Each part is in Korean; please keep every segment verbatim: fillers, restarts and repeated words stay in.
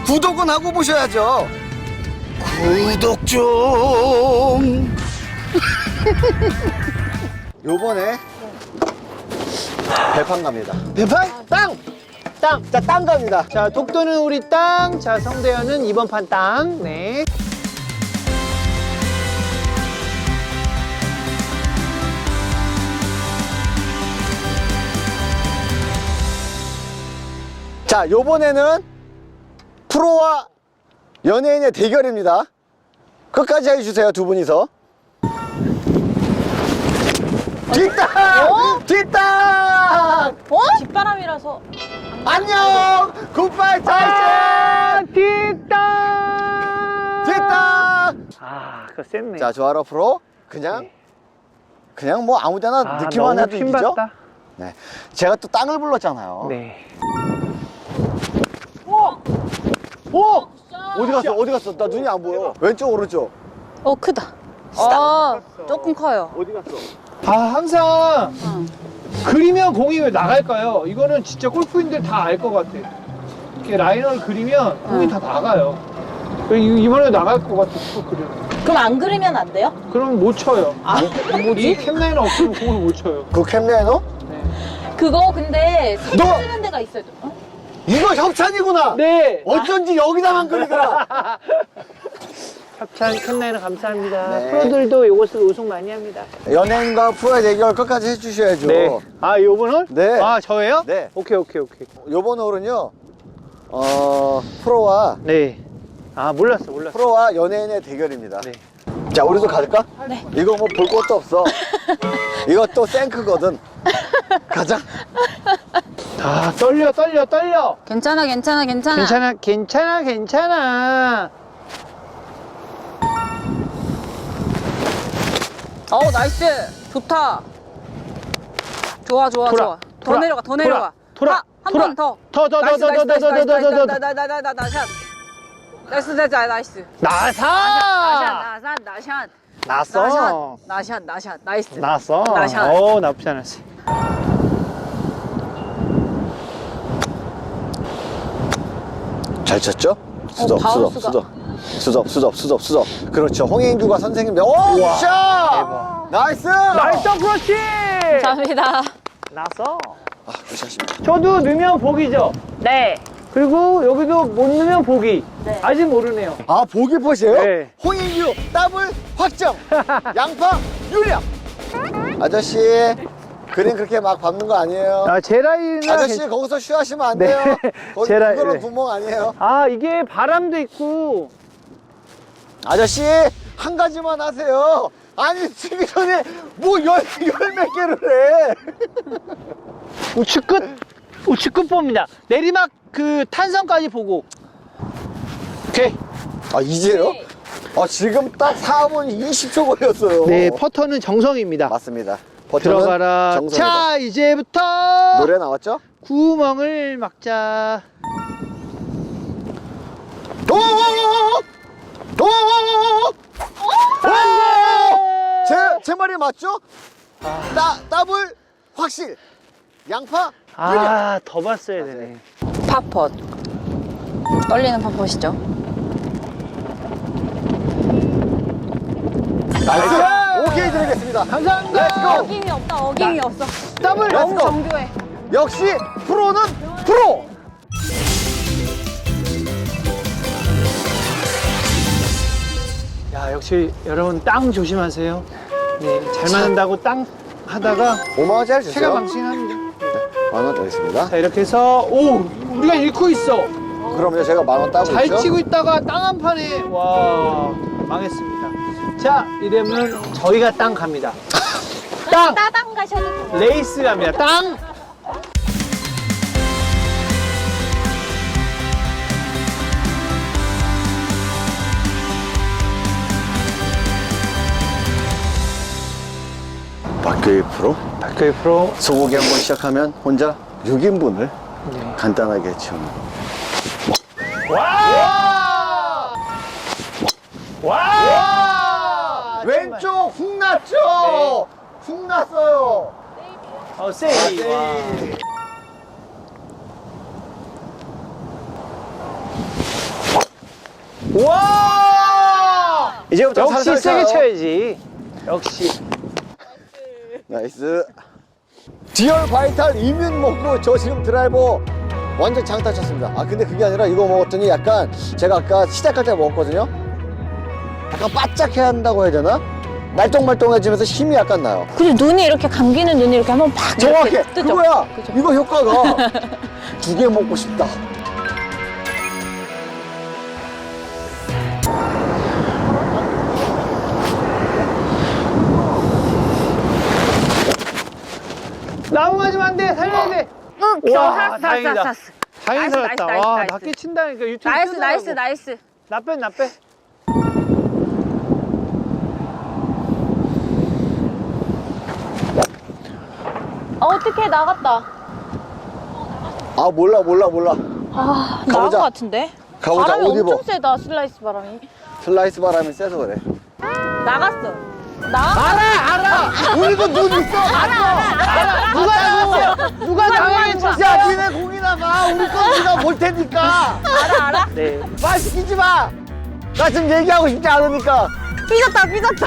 구독은 하고 보셔야죠. 구독 좀. 요번에 배판 갑니다. 배판? 땅! 땅! 자, 땅 갑니다. 자, 독도는 우리 땅. 자, 성대현은 이번 판 땅. 네. 자, 요번에는 프로와 연예인의 대결입니다. 끝까지 해주세요, 두 분이서. 뒷땅! 어? 뒷땅! 어? 뒷바람이라서. 안녕! 굿바이 아, 타이슨! 뒷땅! 뒷땅! 아, 그거 셌네. 자, 조아라 프로. 그냥, 네. 그냥 뭐 아무 데나 아, 느낌만 너무 해도 이기죠? 핀봤다. 네. 제가 또 땅을 불렀잖아요. 네. 오! 어디 갔어? 어디 갔어? 나 눈이 안 보여. 왼쪽, 오른쪽. 어, 크다. 아, 조금 커요. 어디 갔어? 아, 항상 응. 그리면 공이 왜 나갈까요? 이거는 진짜 골프인들 다 알 것 같아. 이렇게 라이너를 그리면 공이 응. 다 나가요. 이- 이번에 나갈 것 같아, 또 그리면. 그럼 안 그리면 안 돼요? 그럼 못 쳐요. 아, 이 캡라이너 없으면 공을 못 쳐요. 그 캡레너? 네. 그거 근데 너! 세개쓰는 데가 있어요. 어? 이거 협찬이구나! 네. 어쩐지 여기다만 그리더라! 협찬 캡라이너 감사합니다. 네. 프로들도 이것을 우승 많이 합니다. 연예인과 프로의 대결 끝까지 해주셔야죠. 네. 아, 요번 홀? 네. 아, 저예요? 네. 오케이, 오케이, 오케이. 요번 홀은요, 어, 프로와, 네. 아, 몰랐어, 몰랐어. 프로와 연예인의 대결입니다. 네. 자, 우리도 갈까? 네. 이거 뭐 볼 것도 없어. 이것도 생크거든. 가자. 아, 떨려, 떨려, 떨려. 괜찮아, 괜찮아, 괜찮아. 괜찮아, 괜찮아, 괜찮아. 어, 나이스. 좋다. 좋아, 좋아, 돌아, 좋아. 더 돌아, 내려가, 더 돌아, 내려가. 돌아, 하, 한 돌아. 번 더. 더, 더, 더, 나이스, 더, 나이스, 더, 더, 나이스, 더, 더, 더, 더, 더. 나이스, 나이스, 나이스, 나이스. 나이스, 나이스, 나이스. 나사! 나샷, 나샷, 나샷. 났어. 나샷, 나샷, 나이스. 났어. 나샷. 오, 나쁘지 않았어. 잘 쳤죠? 수덥, 수덥, 바운스가. 수덥. 수덥, 수덥, 수덥, 수덥. 그렇죠. 홍인규가 선생님. 오, 우와, 샷! 대박. 나이스! 나이스 그렇지! 감사합니다. 났어. 아, 굿샷입니다. 저도 넣으면 복이죠? 네. 그리고 여기도 못 넣으면 복이. 네. 아직 모르네요. 아, 보기 퍼시에요? 네. 홍인규 더블 확정. 양파 유력. 아저씨, 그림 그렇게 막 밟는 거 아니에요. 아, 제라이나. 아저씨, 괜- 거기서 쉬하시면 안 네. 돼요. 거기 제라- 그거는 네. 구멍 아니에요. 아, 이게 바람도 있고. 아저씨, 한 가지만 하세요. 아니, 치기 전에 뭐 열, 열 몇 개를 해. 우측 끝. 우측 끝 봅니다. 내리막 그 탄성까지 보고. 오케이. 아, 이제요? 아, 지금 딱 사 분 이십 초 걸렸어요. 네, 퍼터는 정성입니다. 맞습니다. 버튼은 들어가라. 정성이다. 자, 이제부터 노래 나왔죠? 구멍을 막자. 오! 오! 오! 제, 제 말이 맞죠? 따, 더블 확실. 양파 유력. 아, 더 봤어야 되네. 팝펫. 떨리는 팝펫이죠. 나이스. 오케이 드리겠습니다. 감사합니다. 렛츠고. 어김이 없다, 어김이 없어. 더블. 너무 렛츠고. 정교해. 역시 프로는 프로. 야, 역시 여러분 땅 조심하세요. 네, 잘 맞는다고 땅 하다가 오만 원짜리 체가 주세요. 망신합니다. 만 원 드리겠습니다. 자, 이렇게 해서 오, 우리가 잃고 있어. 그럼요, 제가 만 원 따고 잘 있죠. 치고 있다가 땅 한 판에 와 망했습니다. 자, 이러면 저희가 땅 갑니다. 땅 따당 가셔도 돼요. 레이스 갑니다. 땅. 박교희 프로. 박교희 프로. 소고기 한번 시작하면 혼자 육 인분을 네. 간단하게 채우는. 와! 와! 와! 왼쪽 훅 났죠? 네. 훅 났어요. 어, 세이. 와. 와! 이제부터 역시 살살 세게 쳐요. 쳐야지. 역시. 나이스. 디얼 바이탈 이뮨 먹고 저 지금 드라이버 완전 장타 쳤습니다. 아 근데 그게 아니라 이거 먹었더니 약간 제가 아까 시작할 때 먹었거든요. 약간 바짝해야 한다고 해야 되나? 말똥말똥해지면서 힘이 약간 나요. 그리고 눈이 이렇게 감기는 눈이 이렇게 한번 팍 정확해. 이렇게 뜨죠? 그거야. 그죠? 이거 효과가 두 개 먹고 싶다. 나무 맞으면 안 돼. 살려야 돼. 응, 와, 살았어, 다행이다. 살았어, 살았어. 다행히 나이스, 살았다. 나이스, 와, 나이스, 낮게 친다니까 유튜브 나이스, 뜨더라고. 나이스, 나이스. 나 빼, 나 빼. 아, 어떻게 나갔다. 아 몰라 몰라 몰라. 아, 나간 가보자. 것 같은데? 가보자. 바람이 옷 입어. 엄청 세다, 슬라이스 바람이. 슬라이스 바람이 세서 그래. 나갔어. 나? 알아, 알아. 우리도 눈 있어. 알아. 누가 당했어? 누가 당했어? 야 니네 공이나 봐. 우리 거 우리가 볼 테니까. 알아, 알아? 네. 말 시키지 마. 나 지금 얘기하고 싶지 않으니까. 삐졌다, 삐졌다.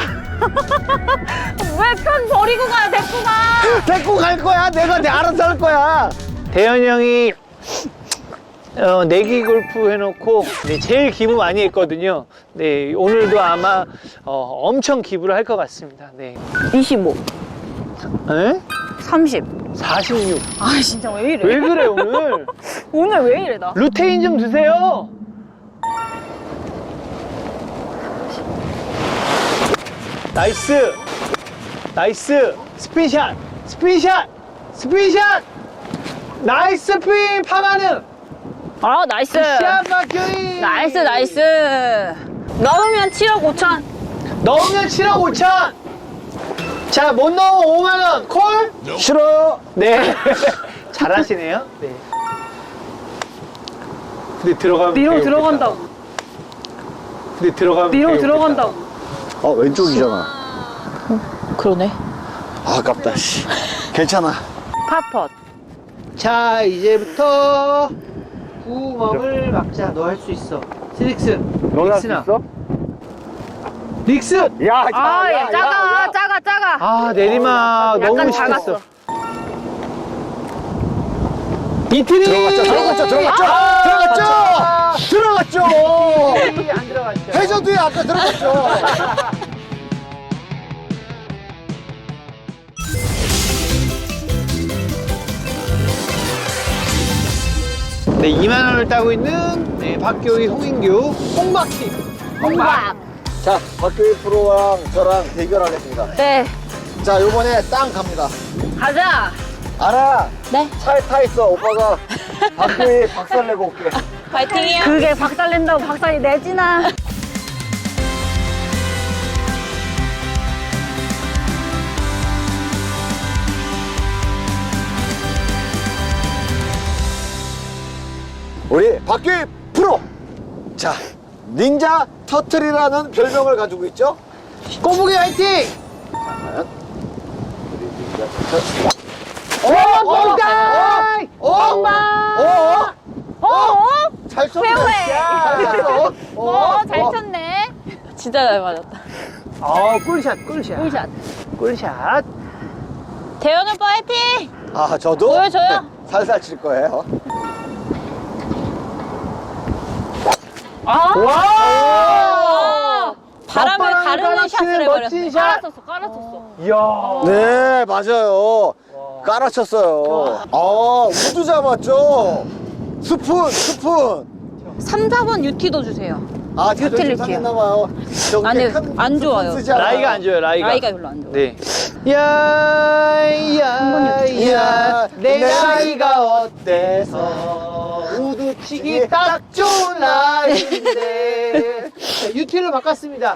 왜 편 버리고 가요, 데리고 가. 데리고 갈 거야. 내가 내 알아서 할 거야. 대현이 형이 어, 내기 골프 해놓고 네, 제일 기부 많이 했거든요. 네, 오늘도 아마 어, 엄청 기부를 할 것 같습니다. 네. 이십오, 에? 삼십. 사십육. 아, 진짜 왜 이래? 왜 그래 오늘? 오늘 왜 이래, 나? 루테인 좀 드세요. 나이스. 나이스. 스피샷. 스피샷. 스피샷. 나이스 스핀 파마는. 아, 나이스. 샷 박효인. 나이스, 나이스. 넣으면 칠억 오천. 넣으면 칠억 오천. 자, 못 넣으면 오만 원. 콜? 싫어요. 네. 잘하시네요. 네. 근데 들어가면 뒤로 되게 들어간다고. 웃겠다. 근데 들어가면 뒤로 되게 들어간다고. 어 왼쪽이잖아. 그러네. 아, 아깝다. 씨. 괜찮아. 팝펫. 웃겠다. 자, 이제부터 구멍을 막자. 너 할 수 있어. 스릭스. 릭스나. 릭스. 야, 아, 야, 작아, 작아, 작아. 아, 내리막 약간 너무 작았어. 쉽겠어. 이틀이 들어갔죠, 들어갔죠, 들어갔죠, 아, 들어갔죠, 들어갔죠. 이틀이 안 들어갔죠. 해저드에 아까 들어갔죠. 네, 이만 원을 따고 있는 네, 박교희, 홍인규, 홍박팀. 홍박. 자, 박교희 프로랑 저랑 대결하겠습니다. 네, 자, 요번에 땅 갑니다. 가자. 알아. 네. 차에 타 있어. 오빠가 박교희 박살 내고 올게. 파이팅이요. 그게 박살 낸다고 박살이 내지나. 우리 박교희 프로. 자, 닌자 터틀이라는 별명을 가지고 있죠. 꼬부기 화이팅! 과연 우리 닌자 터틀. 오, 뽕까이! 어? 어? 어? 어? 어? 잘 쳤네. 페어웨이. 잘 쳤어. 어, 잘 쳤네. 진짜 잘 맞았다. 아, 꿀샷, 꿀샷. 꿀샷. 꿀샷. 대현 오빠 화이팅! 아, 저도 보여줘요. 네, 살살 칠 거예요. 아! 와! 바람을 맞바람을 가르는 깔아치는 샷을 해버렸어. 멋진 샷. 깔았었어, 깔았었어. 이야. 네, 맞아요. 깔아쳤어요. 아, 우드 잡았죠? 스푼, 스푼. 삼, 사 번 유티도 주세요. 아, 자존심 유틸리티요. 상했나봐요. 저기 아니, 큰 안 스푼 좋아요. 쓰지 않아요. 라이가 안 좋아요, 라이가. 라이가 별로 안 좋아. 네. 야, 야, 야, 내 나이가 어때서 우드 치기 딱 좋은 나이인데. 자, 유틸로 바꿨습니다.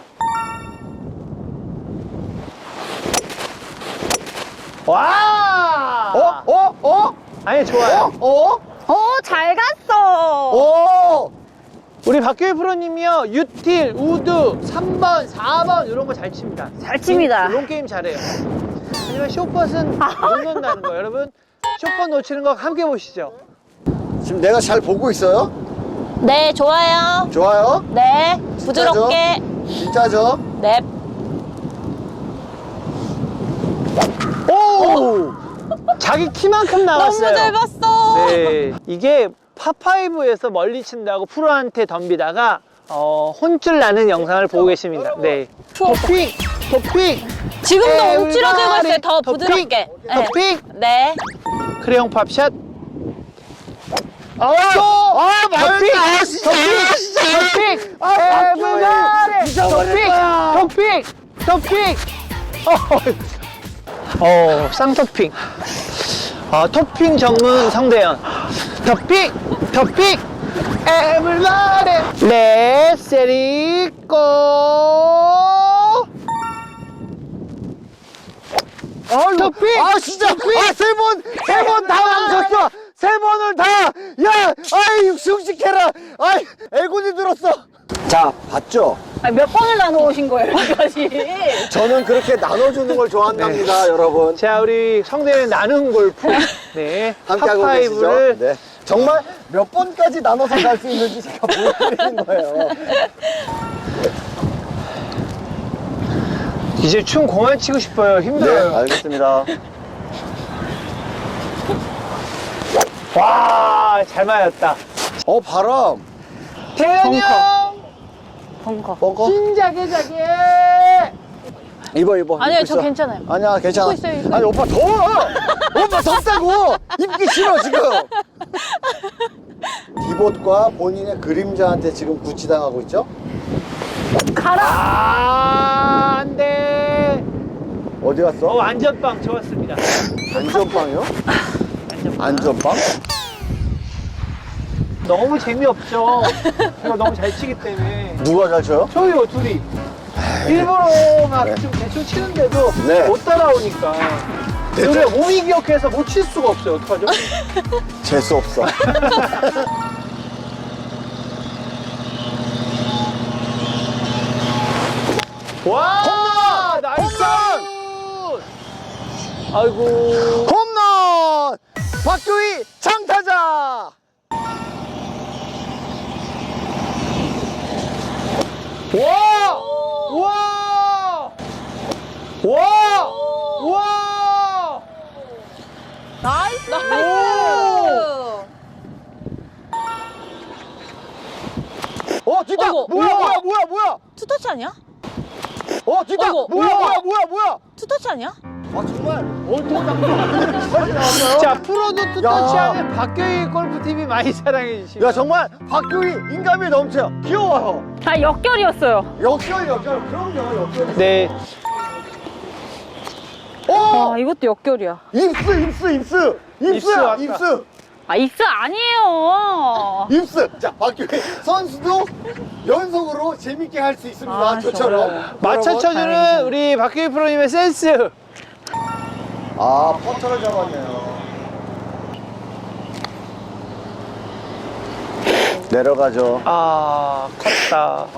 와! 어? 어? 어? 아니, 좋아요. 어? 어, 잘 갔어. 어? 우리 박교희 프로님이요, 유틸, 우드, 삼 번, 사 번, 이런 거 잘 칩니다. 잘 칩니다. 이런 게임 잘해요. 하지만 숏벗은 못 넣는다는 거. 여러분, 숏벗 놓치는 거 함께 보시죠. 지금 내가 잘 보고 있어요? 네, 좋아요. 좋아요. 네, 진짜죠? 부드럽게. 진짜죠? 네. 오! 자기 키만큼 나왔어요. 너무 잘 봤어. 네, 이게 파파이브에서 멀리 친다고 프로한테 덤비다가 어, 혼쭐 나는 영상을 보고 계십니다. 네. 토픽! 토픽! 지금도 웅치러 들고 에브리바디! 있어요. 더 토픽! 부드럽게. 네. 토픽! 네. 크레용 팝샷! 아, 아, 토픽! 말했다. 아, 진짜. 토픽! 아, 에브리바디! 미쳐버릴 거야. 토픽! 토픽! 토픽! 어, 쌍토핑. 아, 토핑 전문 성대현. 토픽! 토픽! 에브리바디! 렛츠 세리고! 토픽! 아, 진짜. 아, 세 번, 세 번 다 망쳤어. 세 번을 다. 야, 아이, 씩씩해라. 아이, 애군이 들었어. 자, 봤죠? 아니, 몇 번을 나눠오신 거예요, 여기까지? 저는 그렇게 나눠주는 걸 좋아한답니다, 여러분. 자, 우리 성대현 나눔 골프. 네. 함께하고 계시죠? 팝파이브를 네. 정말 몇 번까지 나눠서 갈 수 있는지 제가 보여드리는 거예요. 이제 춤 그만 치고 싶어요. 네, 힘들어요. 알겠습니다. 와, 잘 맞았다. 어, 바람. 태현이 형! 벙커. 벙커? 진작에 자게! 입어, 입어. 아니요, 입고 저 있어. 괜찮아요. 아니야, 괜찮아. 입고 있어요, 입고 아니, 오빠 더워! 오빠 덥다고! 입기 싫어, 지금! 디봇과 본인의 그림자한테 지금 구치당하고 있죠? 아, 안 돼. 어디 갔어? 어, 안전빵 좋았습니다. 안전빵이요? 안전빵? 너무 재미없죠. 제가 너무 잘 치기 때문에. 누가 잘 쳐요? 저희요, 둘이. 일부러 막 좀 대충 치는데도 네. 못 따라오니까. 우리가 몸이 기억해서 못 칠 수가 없어요. 어떡하죠? 재수 없어. 와! 나이스! 아이고. 홈런! 박규희 장타자! 와! 와! 와! 와! 나이스. 어, 뒷다! 어이구, 뭐야, 우와. 뭐야, 뭐야, 뭐야! 투터치 아니야? 어, 뒷다! 어이구, 뭐야, 우와. 뭐야, 뭐야, 뭐야! 투터치 아니야? 아, 정말 얼토당토 나왔어요? 자, 프로도 야. 투터치하는 박교희 골프티비 많이 사랑해주시고. 야, 정말 박규희 인감이 넘쳐요. 귀여워요. 아, 역결이었어요. 역결, 역결. 그럼요, 역결. 네. 오! 아, 이것도 역결이야. 입스, 입스, 입스! 입스 입스야, 왔다. 입스! 아, 입스 아니에요. 입스! 자, 박규희 선수도 연속으로 재밌게 할 수 있습니다. 아, 저처럼. 맞춰 여러분. 쳐주는 우리 박교희 프로님의 센스. 아, 퍼터를 잡았네요. 내려가죠. 아, 컸다.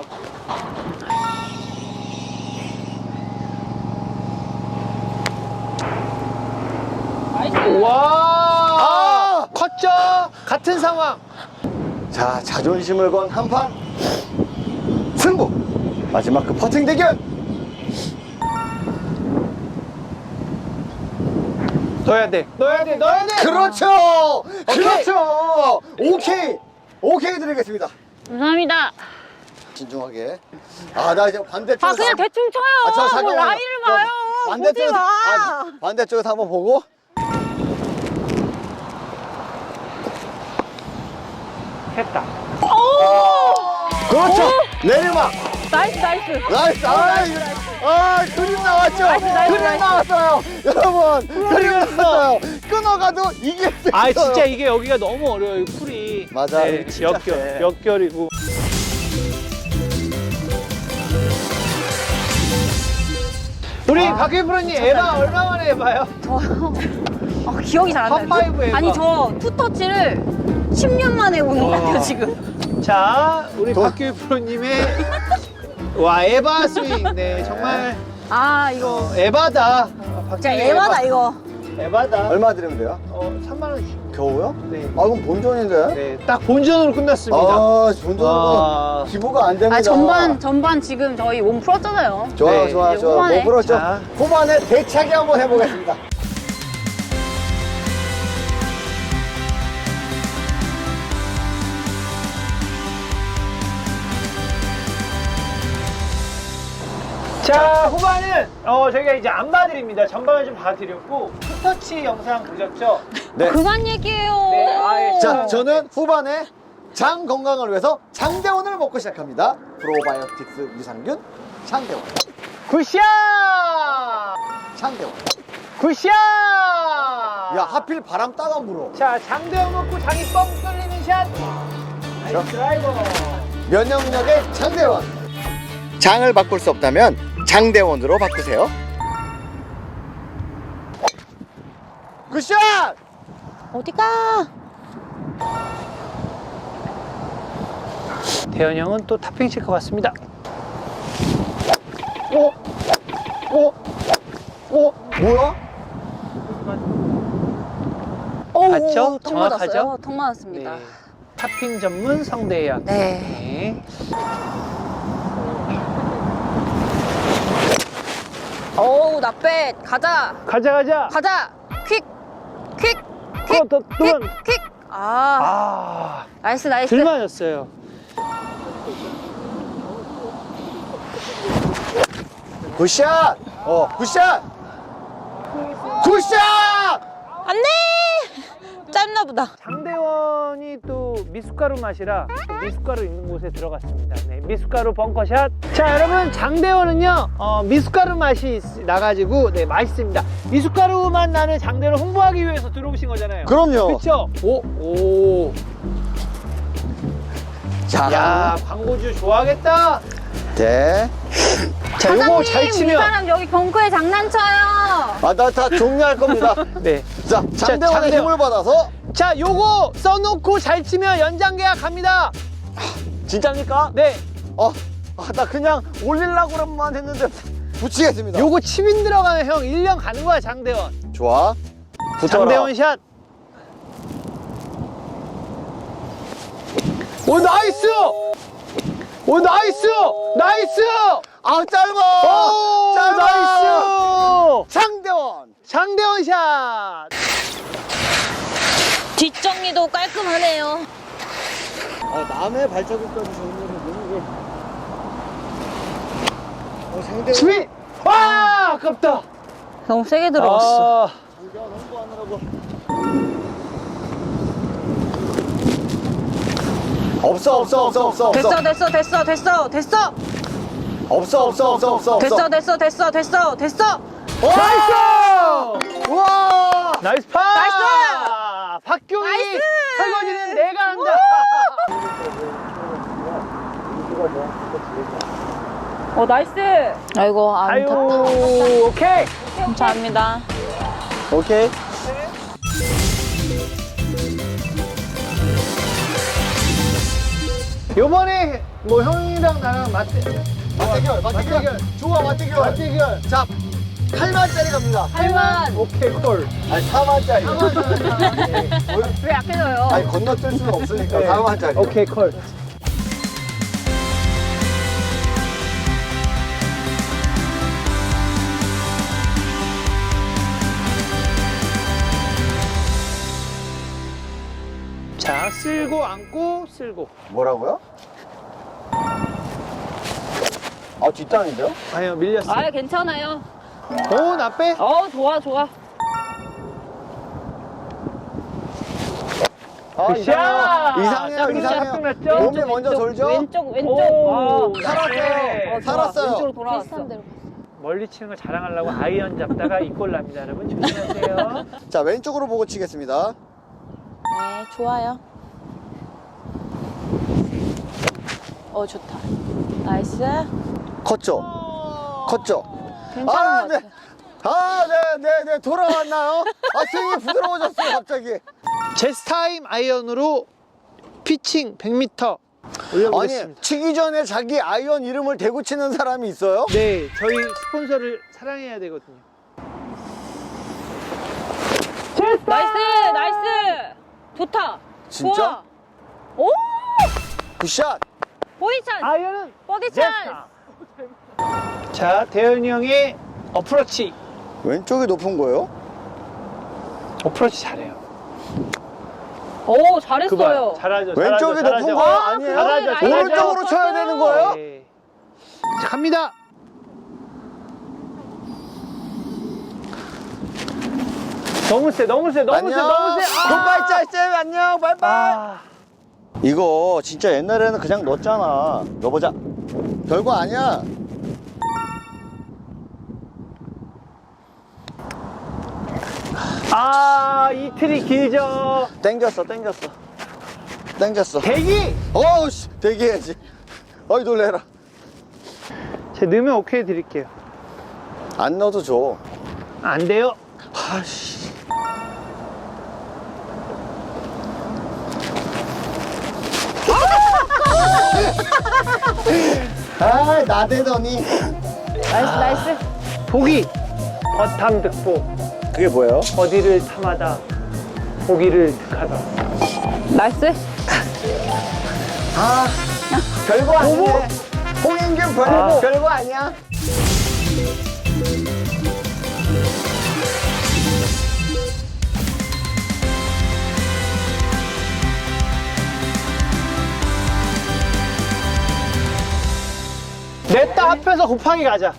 와! 아! 컸죠? 같은 상황. 자, 자존심을 건 한판 승부! 마지막 그 퍼팅 대결! 넣어야 돼. 넣어야 돼. 넣어야 돼. 그렇죠! 그렇죠! 오케이! 오케이 드리겠습니다. 감사합니다. 진중하게. 아, 나 이제 반대쪽. 아, 그냥 대충 쳐요. 아, 저 뭐 잠깐만요. 라인을 저 봐요. 보지 반대쪽에서- 마. 아, 반대쪽에서 한번 보고. 했다. 그렇죠! 내리막! 나이스, 나이스. 나이스! 아, 이거- 아, 그림 나왔죠? 나이스, 나이스, 그림 나이스. 나왔어요! 여러분! 그림 나왔어요! 끊어가도 이게 아, 있어요. 진짜 이게 여기가 너무 어려워요. 풀이. 맞아, 네, 여기 진짜 역결. 세. 역결이고. 우리 박규희 프로님 에바 얼마 만에 해봐요? 아, 기억이 잘 안 나요. 팝파이브 에바. 아니, 저 투터치를 십 년 만에 보는 것 같아요, 지금. 자, 우리 도- 박규희 프로님의 와 에바 스윙. 네, 정말 아, 이거. 어, 에바다. 진짜 박규희 에바다, 이거. 에바다. 얼마 드리면 돼요? 어, 삼만 원씩. 겨우요? 네. 아, 그럼 본전인데? 네, 딱 본전으로 끝났습니다. 아, 본전은 와. 기부가 안 됩니다. 아, 전반, 전반 지금 저희 몸 풀었잖아요. 좋아요, 네, 좋아요, 이제 좋아요. 후반에. 뭐 그렇죠. 자. 후반에 대차게 한번 해보겠습니다. 자, 후반은 어, 저희가 이제 안 봐드립니다. 전반을 좀 봐드렸고 투터치 영상 보셨죠? 네. 그만 얘기해요. 네, 아예 자, 저는 후반에 장 건강을 위해서 장대원을 먹고 시작합니다. 프로바이오틱스 유산균 장대원. 굿샷! 장대원. 굿샷! 야, 하필 바람 따가 물어. 자, 장대원 먹고 장이 뻥 뚫리는 샷. 나이스 드라이버. 면역력의 장대원. 장을 바꿀 수 없다면 장대원으로 바꾸세요. 굿샷! 어디가? 대현 형은 또 탑핑 칠 것 같습니다. 오! 오! 오! 뭐야? 오, 맞죠? 턱 정확하죠? 맞았어요. 턱 맞았습니다. 네. 탑핑 전문 성대현. 네. 네. 어우, 나빼. 가자. 가자 가자. 가자. 퀵. 퀵. 어, 또, 또, 퀵. 또. 퀵. 아, 아, 나이스, 나이스. 들 맞았어요. 굿샷! 어, 굿샷! 굿샷! 안 돼! 짧나 보다. 장대원이 또 미숫가루 맛이라 또 미숫가루 있는 곳에 들어갔습니다. 네, 미숫가루 벙커샷. 자, 여러분 장대원은요 어, 미숫가루 맛이 있- 나가지고 네 맛있습니다. 미숫가루 맛 나는 장대원을 홍보하기 위해서 들어오신 거잖아요. 그럼요. 그렇죠? 오, 오. 자, 야, 광고주 좋아하겠다. 네. 자, 요거 잘 이 치면 사람 여기 벙커에 장난쳐요. 아, 나 다 종료할 겁니다. 네. 자, 장대원의 장대원. 힘을 받아서. 자, 요거 써놓고 잘 치면 연장 계약 갑니다. 진짜입니까? 네. 어, 아, 나 그냥 올리려고만 했는데 붙이겠습니다. 요거 칩인 들어가면 형 일 년 가는 거야, 장대원. 좋아. 붙어라. 장대원 샷. 오, 나이스! 오, 나이스! 나이스! 아, 짧아. 오, 짧아. 나이스! 장대원. 장대원 샷! 뒷정리도 깔끔하네요. 아, 남의 발자국까지 정리를 너무. 어, 장대원. 스윗! 와, 아깝다. 너무 세게 들어갔어. 아, 장대원 홍보하느라고. 없어, 없어, 없어, 없어, 없어. 됐어, 됐어, 됐어, 됐어, 됐어. 없어, 없어, 없어, 없어, 없어. 됐어, 됐어, 됐어, 됐어, 됐어. 나이스! 우와! 나이스 파! 나이스! 박경희! 나이스! 설거지는 내가 한다! 어, 나이스. 아이고, 안 아유, 탔다. 오케이! 감사합니다. 오케이. 요번에 뭐 형이랑 나랑 맞대, 맞대결, 맞대결. 좋아, 맞대결. 맞대결. 자, 팔 만짜리 갑니다. 팔만. 오케이, 콜. 아니, 사 만짜리. 왜 약해져요? 아니, 건너뛸 수는 없으니까 네. 사 만짜리. 오케이, 콜. 자, 쓸고 안고 쓸고. 뭐라고요? 아, 뒷땅인데요? 아니요, 밀렸어. 아, 괜찮아요. 오, 나 빼. 어, 좋아, 좋아. 아, 굿샷! 이상해요. 이상해요, 자, 이상해요. 샷 났죠? 몸이 먼저 돌죠? 왼쪽, 왼쪽. 오, 아, 살았어요. 네. 어, 좋아. 살았어요. 왼쪽으로 돌아왔어. 멀리 치는 걸 자랑하려고 아이언 잡다가 이 골 납니다, 여러분. 조심하세요. 자, 왼쪽으로 보고 치겠습니다. 네, 좋아요. 어, 좋다. 나이스. 컸죠? 컸죠? 괜찮은 아, 것 네. 같아. 아, 네, 네, 네. 돌아왔나요? 아, 스윙이 부드러워졌어요, 갑자기. 제스타임 아이언으로 피칭 백 미터 아니, 올려보겠습니다. 치기 전에 자기 아이언 이름을 대고 치는 사람이 있어요? 네, 저희 스폰서를 사랑해야 되거든요. 진짜? 좋아. 오! 굿샷. 보이찬. 아이언은 버디 됐다. 찬스. 자, 대현이 형의 어프로치. 왼쪽이 높은 거예요? 어프로치 잘해요. 오, 잘했어요. 그거 잘하죠. 왼쪽이 잘하죠, 높은 잘하죠. 거 아, 아니에요? 잘하죠, 그거는 잘하죠. 오른쪽으로 쳐야 되는 거예요? 네. 자, 갑니다. 너무 세, 너무 세, 너무 세, 안녕. 너무 세. 굿바이 짤쌤 안녕. 바이바이. 아. 이거 진짜 옛날에는 그냥 넣었잖아. 넣어보자. 별거 아니야. 아, 이 틀이 길죠. 땡겼어, 땡겼어. 땡겼어. 대기! 어우씨, 대기해야지. 어이, 놀래라. 제 넣으면 오케이 드릴게요. 안 넣어도 줘. 안 돼요. 아씨. 아, 나대더니. 나이스, 나이스. 보기. 버탐 득보. 그게 뭐예요? 어디를 탐하다. 보기를 득하다. 나이스. 아, 별거 아니네. 홍인균 별거, 아. 별거 아니야. 냈다 합해서 곱하기 가자.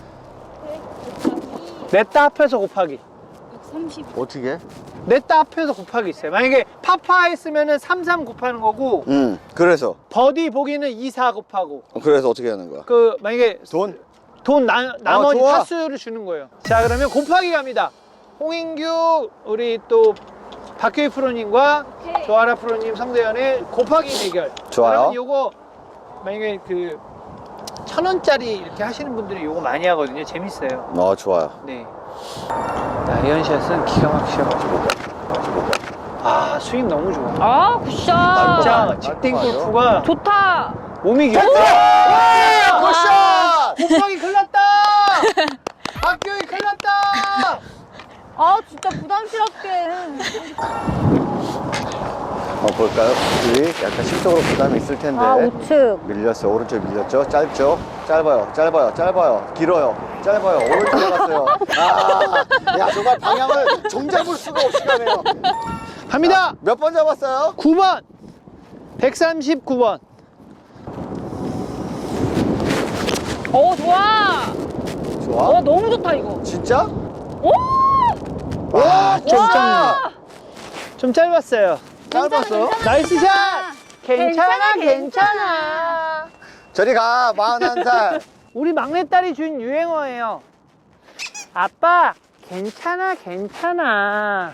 냈다 합해서 곱하기. 어떻게? 냈다 합해서 곱하기 있어요. 만약에 파파 했으면은 삼삼 곱하는 거고, 응, 그래서. 버디 보기는 이사 곱하고, 그래서 어떻게 하는 거야? 그, 만약에 돈? 돈 나, 나머지 좋아. 타수를 주는 거예요. 자, 그러면 곱하기 갑니다. 홍인규, 우리 또 박효희 프로님과 오케이. 조아라 프로님, 성대현의 곱하기 대결. 좋아요. 그러면 요거, 만약에 그, 천 원짜리 이렇게 하시는 분들이 요거 많이 하거든요. 재밌어요. 어, 좋아요. 네. 아이언샷은 기가 막히셔가지고. 아, 스윙 너무 좋아. 아, 굿샷. 진짜 직딩 골프가 좋다. 몸이 겨. 와, 굿샷! 곱하기 큰일 났다! 박교희 큰일 났다! 아, 진짜 부담스럽게. 어, 볼까요? 우리 약간 심적으로 부담이 있을 텐데. 아, 우측. 밀렸어요. 오른쪽 밀렸죠? 짧죠? 짧아요. 짧아요. 짧아요. 길어요. 짧아요. 오른쪽 나갔어요. 아, 야, 정말 방향을 종잡을 수가 없이 가네요. 갑니다! 몇 번 잡았어요? 구 번! 백삼십구 번. 오, 좋아. 좋아. 어, 너무 좋다, 이거. 진짜? 오! 와, 좀 와! 짧네. 좀 짧았어요. 짧았어요? 나이스 샷! 괜찮아, 괜찮아, 괜찮아. 저리 가, 마흔한 살. 우리 막내딸이 준 유행어예요. 아빠, 괜찮아, 괜찮아.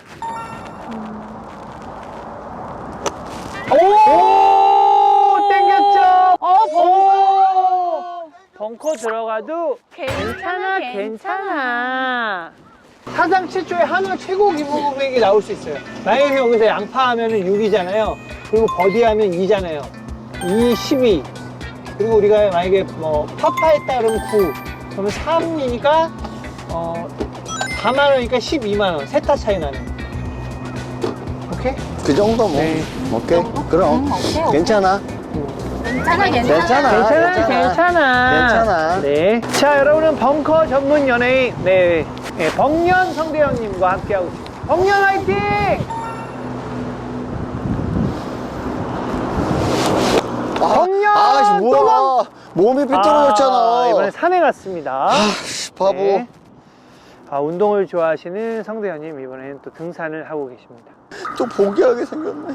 오! 땡겼죠? 어, 벙커. 벙커 들어가도 괜찮아, 괜찮아. 사상 최초의 한화 최고 기부 금액이 나올 수 있어요. 만약에 여기서 양파하면 육이잖아요. 그리고 버디하면 이잖아요. 이, 십이. 그리고 우리가 만약에 뭐 파파했다 그러면 구. 그러면 삼이니까 어, 사만 원이니까 십이만 원. 세타 차이 나는. 오케이? 그 정도 뭐. 네. 오케이. 그럼. 음, 오케이, 오케이. 괜찮아. 괜찮아, 괜찮아. 괜찮아. 괜찮아, 괜찮아. 괜찮아. 네. 자, 여러분은 벙커 전문 연예인, 네. 네, 벙년 성대현님과 함께하고 있습니다. 벙년 화이팅! 아, 벙년! 아씨, 뭐야. 몸이 삐뚤어졌잖아. 아, 이번에 산에 갔습니다. 아씨, 바보. 네. 아, 운동을 좋아하시는 성대현님, 이번에는 또 등산을 하고 계십니다. 또 포기하게 생겼네.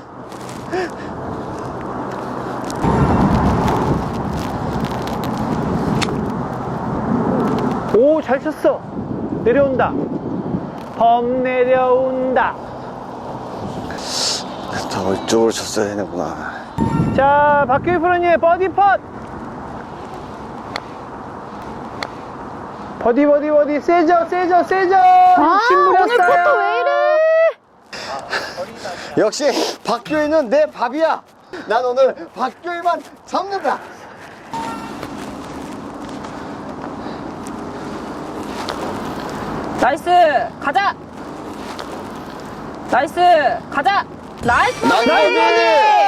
오, 잘 쳤어. 내려온다. 범 내려온다. 더 이쪽으로 쳤어야 되는구나. 자, 박규희 프로님의 버디 펫. 버디, 버디, 버디. 세죠, 세죠, 세죠. 아, 침부렸어요. 오늘 포토 왜 이래? 역시 박교희는 내 밥이야. 난 오늘 박교희만 잡는다. 나이스. 가자. 나이스. 가자. 나이스. 나이스. 버디.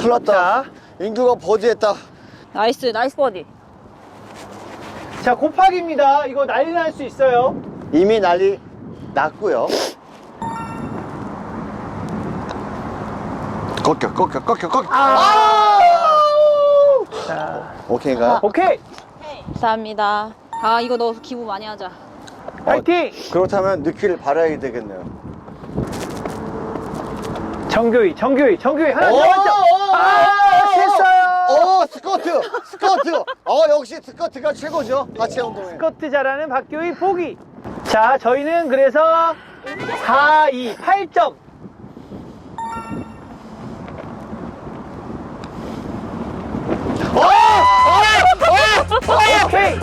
큰일 났다. 자, 인규가 버디했다. 나이스, 나이스 버디. 자, 곱하기입니다. 이거 난리 날 수 있어요. 이미 난리 났고요. 꺾여, 꺾여, 꺾여, 꺾여. 아! 자, 오케이인가요? 오케이. 감사합니다. 아, 이거 너 기부 많이 하자. 파이팅! 그렇다면 느끼를 발휘해야 되겠네요. 정교희, 정교희, 정교희 하나 오! 남았죠? 아, 됐어요. 오, 스쿼트, 스쿼트. 어, 역시 스쿼트가 최고죠. 하체 운동에. 스쿼트 잘하는 박교희 포기. 자, 저희는 그래서 사, 이, 팔 점. 어! 어! 어! 오케이.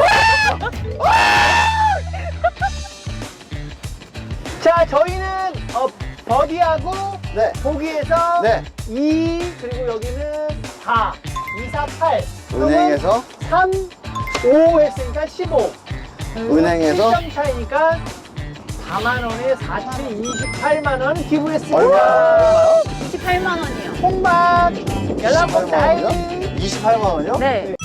자, 저희는 어, 버디하고 네. 보기에서 네. 이, 그리고 여기는 사, 이, 사, 팔. 은행에서 삼, 오 했으니까 십오. 은행에서 칠 점 차이니까 사만 원에 사, 칠, 이십팔만 원 기부했습니다. 얼마? 얼마요? 이십팔만 원이요. 홍박 연락복 이십팔만 원이요? 다이. 이십팔만 원이요? 네.